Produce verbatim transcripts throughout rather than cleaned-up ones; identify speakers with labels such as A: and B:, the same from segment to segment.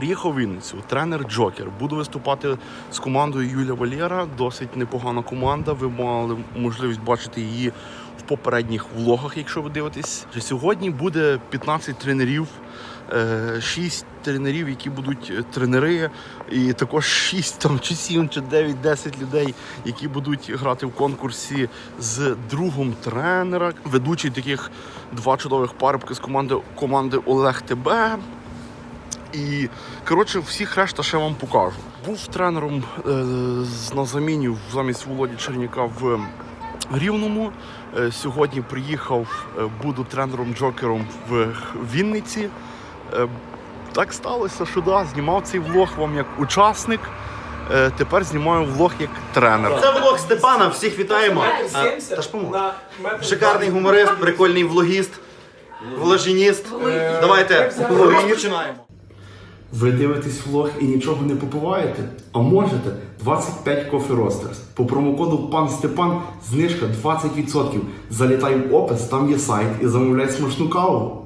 A: Приїхав в Вінницю, тренер Джокер. Буду виступати з командою Юля Валєра. Досить непогана команда. Ви мали можливість бачити її в попередніх влогах, якщо ви дивитесь. Сьогодні буде п'ятнадцять тренерів, шість тренерів, які будуть тренери, і також шість там, чи сім, чи дев'ять, десять людей, які будуть грати в конкурсі з другом тренера. Ведучий таких два чудових парубки з команди, команди Олег ТБ. І, коротше, всіх решта ще вам покажу. Був тренером е, на заміні замість Володі Черняка в Рівному. Е, сьогодні приїхав, е, буду тренером-джокером в Вінниці. Е, так сталося, що да, знімав цей влог вам як учасник. Е, тепер знімаю влог як тренер.
B: Це влог Степана, всіх вітаємо. А, та ж помог. Шикарний гуморист, прикольний влогіст, вложеніст. Давайте, починаємо.
A: Ви дивитесь влог і нічого не попиваєте? А можете? двадцять п'ять Coffee Roasters. По промокоду пан Степан знижка двадцять відсотків. Залітай в опис, там є сайт і замовляй смачну каву.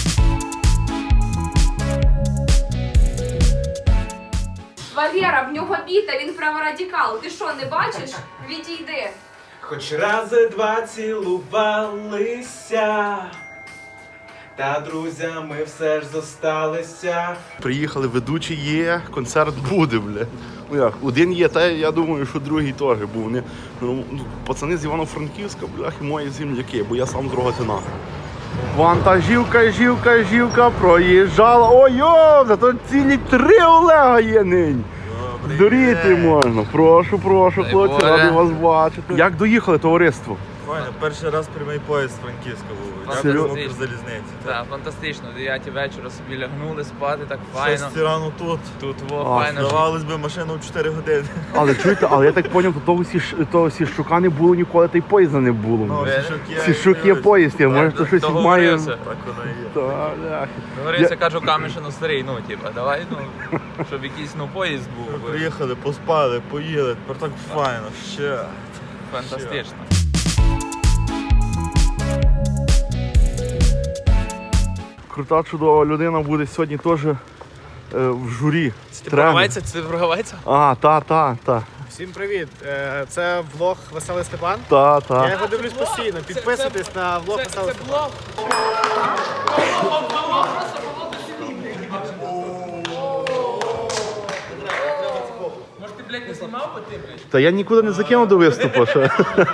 C: Валера, в нього біта, він праворадикал. Ти що, не бачиш? Відійди.
D: Хоч рази два цілувалися, та друзями все ж зосталися.
A: Приїхали, ведучі є, концерт буде, бля. Ну як, один є, та я думаю, що другий теж був. Вони, ну, пацани з Івано-Франківська, блях, і мої земляки, бо я сам з Рогатина. Вантажівка, жівка, жівка проїжджала. Ой-йо, зато цілі три Олега є нині. Здуріти можна. Прошу, прошу, хлопці, радий вас бачити. Як доїхали, товариство?
E: Файно, перший раз прямий поїзд з Франківська був.
A: Серйозно?
E: Дякую Укрзалізниці.
F: Так, фантастично. О дев'ятій вечора собі лягнули спати, так файно.
E: Шесть рано тут.
F: Тут во,
A: А,
F: файно.
E: Здавалось би, машину в чотири години.
A: Але чуєте, але я так зрозумів, то того, сі, того Сіщука не було ніколи, та й поїзда не було.
E: Ну,
F: Ви-
E: Сішук є.
A: Сіщук є поїзд, я, може то щось має...
F: Договорився.
E: Так воно і є.
A: Та, бляхи.
F: Договорився, кажу, Камішину старий, ну, типа, давай, ну, щоб якийсь, ну, поїзд був.
E: Приїхали, поспали, поїли, тепер так файно, ще.
F: Фантастично.
A: Крута, чудова людина буде сьогодні теж е, в журі.
F: Ти
A: Тренер.
F: прогавається? Це прогавається?
A: А, та, та, та,
D: Всім привіт! Е, Це влог Веселий Степан.
A: та,
D: Я
A: та.
D: його дивлюсь постійно. Підписуйтесь на влог Веселий Степан.
A: Та я нікуди не закинув до виступу ще.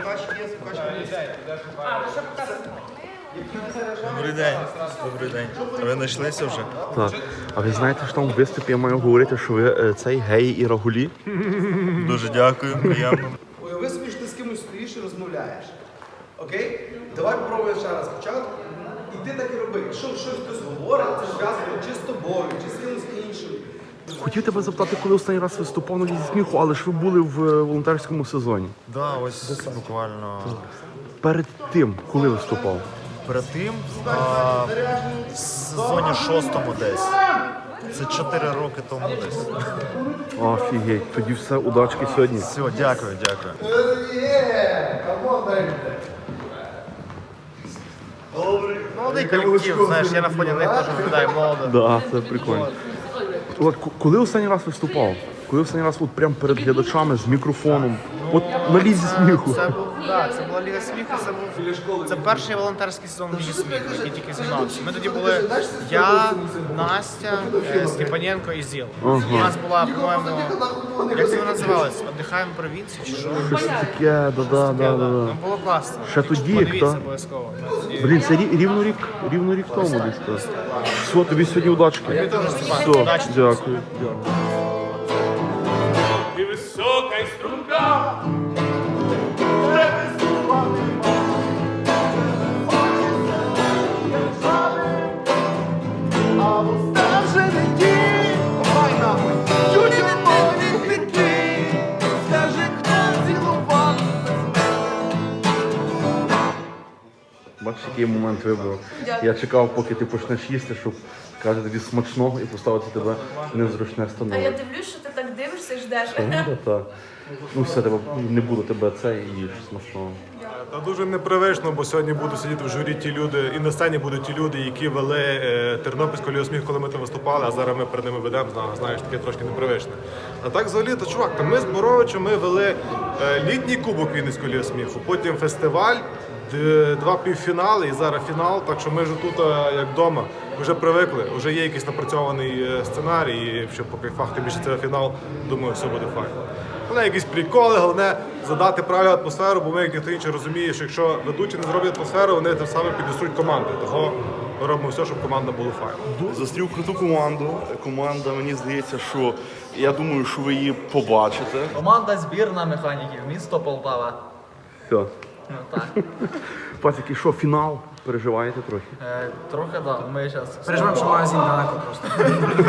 E: Добрий день. Добрий день. А ви знайшлися вже?
A: Так. А ви знаєте, що там в виступі я маю говорити, що ви е, цей геї і рагулі?
E: Дуже дякую, приємно.
G: Уяви собі, що ти з кимось стоїш і розмовляєш. Окей? Давай попробуємо ще раз спочатку. І ти так і роби. Якщо щось хтось говорить, це зв'язано чи з тобою, чи з кимось іншим.
A: Хотів тебе запитати, коли останній раз виступав на лізі сміху, але ж ви були в е, волонтерському сезоні.
E: Да, ось буквально
A: Перед тим, коли виступав?
E: перед тим, а, в сезоні шостому десь. Це чотири роки тому десь.
A: Офігеть, тоді все, удачки сьогодні.
E: Все, дякую, дякую.
D: Молодий колектив, знаєш, я на фоні них теж виглядаю молодо.
A: Да, це прикольно. От к- коли останній раз виступав? Коли останній раз от прямо перед глядачами з мікрофоном? От на лізі сміху.
D: Це був, да, це була Ліга сміху, це був це перший волонтерський сезон Ліги сміху, який тільки займався. Ми тоді були я, Настя, е, Степаненко і Зіл.
A: Ага.
D: У нас була, по-моєму, як це називалось? Отдихаємо в провінції чи що?
A: Щось таке, да-да, да-да.
D: Ну було класно.
A: Ще тоді, як
D: Подивіться
A: та?
D: обов'язково. Тоді-
A: Блін, це рі- рівно рік, рівно рік тому десь. так. Все, тобі сьогодні удачки.
D: теж, Степан,
A: Все,
D: удачі.
A: дякую. дякую.
F: І висока і струнка.
A: Бачиш, який момент вибрав. Я чекав, поки ти почнеш їсти, щоб каже тобі смачного і поставити тебе в незручне
C: А я
A: становище.
C: дивлюсь, що ти так дивишся і ждеш.
A: Ну, так. Ну все, тебе не було тебе це і їж смачного.
H: Та дуже непривично, бо сьогодні будуть сидіти в журі ті люди, і на сцені будуть ті люди, які вели е, Тернопільську Лігу сміху, коли ми там виступали, а зараз ми перед ними ведемо, зна- знаєш, таке трошки непривичне. А так взагалі, то чувак, та ми з Боровичем ми вели е, літній кубок Вінницької Ліги сміху, потім фестиваль, д- два півфінали і зараз фінал, так що ми вже тут, е, як вдома, вже привикли, вже є якийсь напрацьований е, сценарій, і щоб по кайфах, тим більше це фінал, думаю, все буде файно. Головне якісь приколи, головне задати правильну атмосферу, бо ми, як ніхто інший, розуміє, що якщо ведучі не зроблять атмосферу, вони тим самим піднесуть команди. Того ми робимо все, щоб команда була файна.
A: Зустрів круту команду. Команда, мені здається, що я думаю, що ви її побачите.
F: Команда збірна механіків, місто Полтава.
A: Все.
F: Ну так.
A: Пацики, що, фінал? Переживаєте трохи?
F: Е, трохи так, да. Ми зараз.
D: Переживаємо, що магазин далеко просто.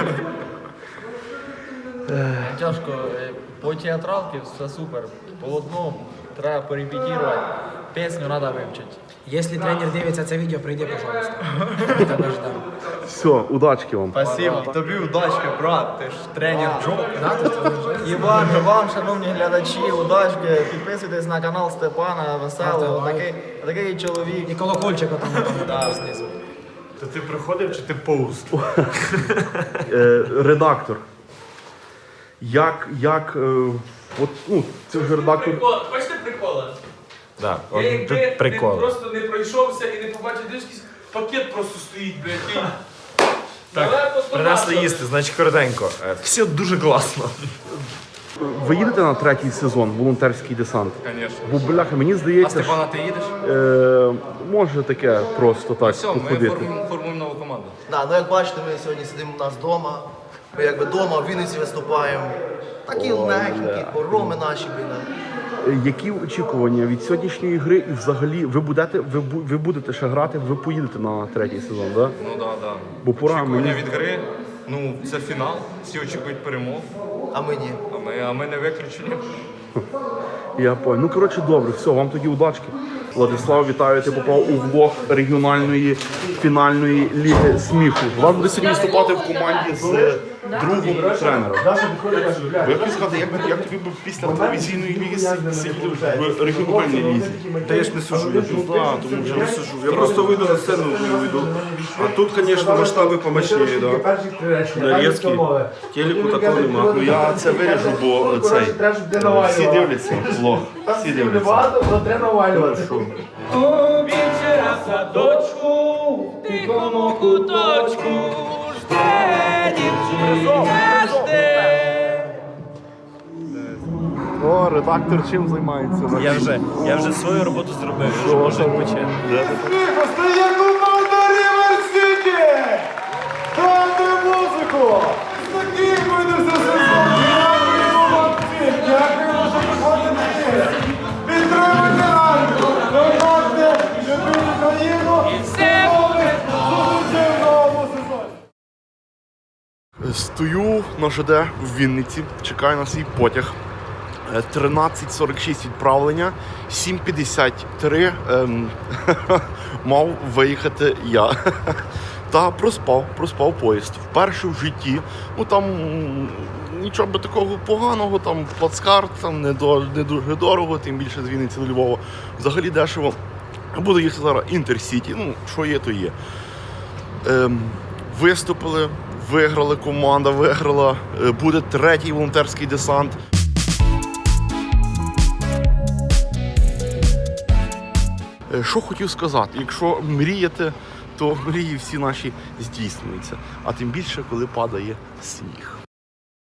F: Тяжко. Е, По театралці все супер. Полотно треба порепетувати. Пісню треба вивчити.
D: Якщо тренер дивиться це відео, прийди, пожалуйста. Тебе ждемо.
A: Все, удачки вам.
F: Спасибо. Тобі удачки, брат. Ти ж тренер Джо. І вам, і вам, шановні глядачі, удачки. Підписуйтесь на канал Степана Веселого. Такий, такий чоловік.
D: І колокольчика там знизу.
H: То ти приходив чи ти повз?
A: Е, редактор. Як, як, е, от, ну, це вже редактор.
I: Хочете прикола?
H: Так,
I: Я якби не просто не пройшовся і не побачив, де якийсь пакет просто стоїть, блядь. Так,
H: принесли їсти, значить коротенько. Е, Все дуже класно.
A: Ви їдете на третій сезон волонтерський десант?
I: Звісно.
A: Бо, бляха, мені здається, що,
I: ти їдеш?
A: е, може таке просто так
I: Все, ми
A: походити.
I: формуємо, формуємо нову команду.
B: Да, ну як бачите, ми сьогодні сидимо у нас вдома. Ми якби вдома в Вінниці виступаємо. Такі легенькі, хороми наші, блін.
A: Е, Які очікування від сьогоднішньої гри і взагалі ви будете, ви, бу- ви будете ще грати, ви поїдете на третій сезон, да?
I: Ну так, да, так. Да.
A: Бо пора
I: Очікування
A: мені.
I: від гри, ну це фінал, всі очікують перемог,
B: А ми ні.
I: а ми, а ми не виключені.
A: Я понял. Ну коротше, добре, все, вам тоді удачки. Владислав, вітаю, ти попав у влог регіональної фінальної ліги сміху. Вам буде сьогодні виступати в команді з другим тренером. Ви хотів сказати, як, як тобі б після телевізійної ліги сидіти в регіональній лізі?
G: Та я ж не сижу.
A: Ну так, тому що
G: Я сижу. Я просто вийду на сцену і вийду. А тут, звісно, масштаби помощніше, да. На різкі. Телеку такого нема.
A: ну, я це виріжу, бо цей всі дивляться влог. Всі дивляться. Хорошо.
I: Вечера в садочку, в тихому куточку, жде дівчина, жде.
A: О, редактор чим займається?
E: Я вже, я вже свою роботу зробив, я вже можу відпочити.
G: Стає команда Рівер Сіті! Грайте музику! Такий буде за сезон! Дякуємо вам всім! Дякуємо, що приходите! Підтримуйте Альфу! Донатьте! Любіть Україну! І все буде зустрічі в новому сезоні!
A: Стою на ЖД в Вінниці, чекаю на свій потяг. Е, тринадцять сорок шість відправлення, сім п'ятдесят три ем, мав виїхати я. Та проспав, проспав поїзд. Вперше в житті. Ну там м, нічого би такого поганого, там плацкарт, там не, до, не дуже дорого, тим більше з Вінниці до Львова. Взагалі дешево. Буду їхати зараз Інтерсіті, ну що є, то є. Ем, виступили, виграли, команда виграла, е, буде третій волонтерський десант. Е, Що хотів сказати, якщо мріяти, то мрії всі наші здійснюються, а тим більше, коли падає сніг.